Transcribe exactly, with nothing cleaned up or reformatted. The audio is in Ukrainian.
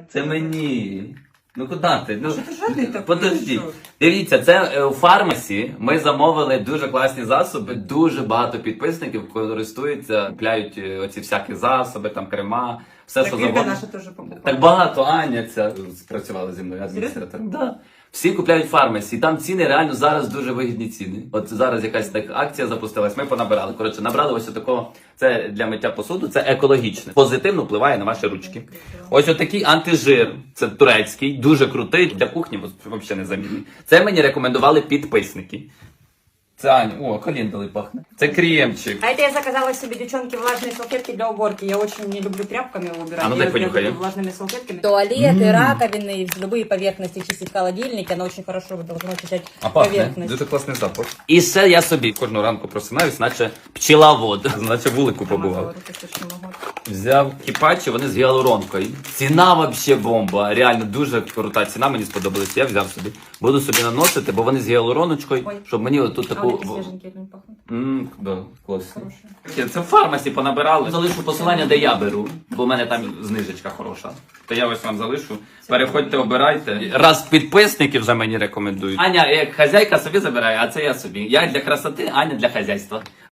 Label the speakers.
Speaker 1: Це мені. Ну куди ти? Ну,
Speaker 2: Що ти жадний такий,
Speaker 1: подожди.
Speaker 2: що?
Speaker 1: Дивіться, це е, у фармасі ми замовили дуже класні засоби. Дуже багато підписників користуються, купляють е, оці всякі засоби, там крема, все,
Speaker 2: Так
Speaker 1: що
Speaker 2: Ірка
Speaker 1: завгодно.
Speaker 2: наша теж покупала.
Speaker 1: Так багато, Аня ця спрацювала зі мною адміністратором. Да. Всі купляють в фармасі, і там ціни реально зараз дуже вигідні ціни. От зараз якась так акція запустилась, ми понабирали. Коротше, набрали ось такого, це для миття посуду, це екологічне. Позитивно впливає на ваші ручки. Ось отакий антижир, це турецький, дуже крутий, для кухні взагалі незамінний. Це мені рекомендували підписники. Це Аня, о, календули пахне. Це кремчик.
Speaker 2: А это я заказала себе, девчонки, влажные салфетки для уборки. Я очень не люблю тряпками убирать.
Speaker 1: А ну
Speaker 2: я
Speaker 1: дай понюхай.
Speaker 2: люблю влажными салфетками.
Speaker 3: Туалеты, раковины, любые поверхности чистить, холодильники. Оно очень хорошо должно очищать
Speaker 1: А пахне,
Speaker 3: поверхность.
Speaker 1: дуже класний запах. І ще я собі кожну ранку просинаюсь, наче пчеловод, наче вулику побував.
Speaker 2: Руки точно могу.
Speaker 1: Взяв кіпачі, вони з гіалуронкою. Ціна вообще бомба. Реально дуже крута ціна, мені сподобалась. Я взяв собі. Буду собі наносити, бо вони з гіалуроночкою,
Speaker 2: Ой.
Speaker 1: щоб мені отут
Speaker 2: А
Speaker 1: таку...
Speaker 2: вот эти свеженькие не пахнут.
Speaker 1: Ммм, да, класно.
Speaker 2: Хорошие.
Speaker 1: Це в фармасі понабирали. Залишу посилання, де я беру, бо в мене там знижечка хороша. То я ось вам залишу. Переходьте, обирайте. Раз підписники вже мені рекомендують. Аня як хазяйка собі забирає, а це я собі. Я для красоти, Аня для хазяйства.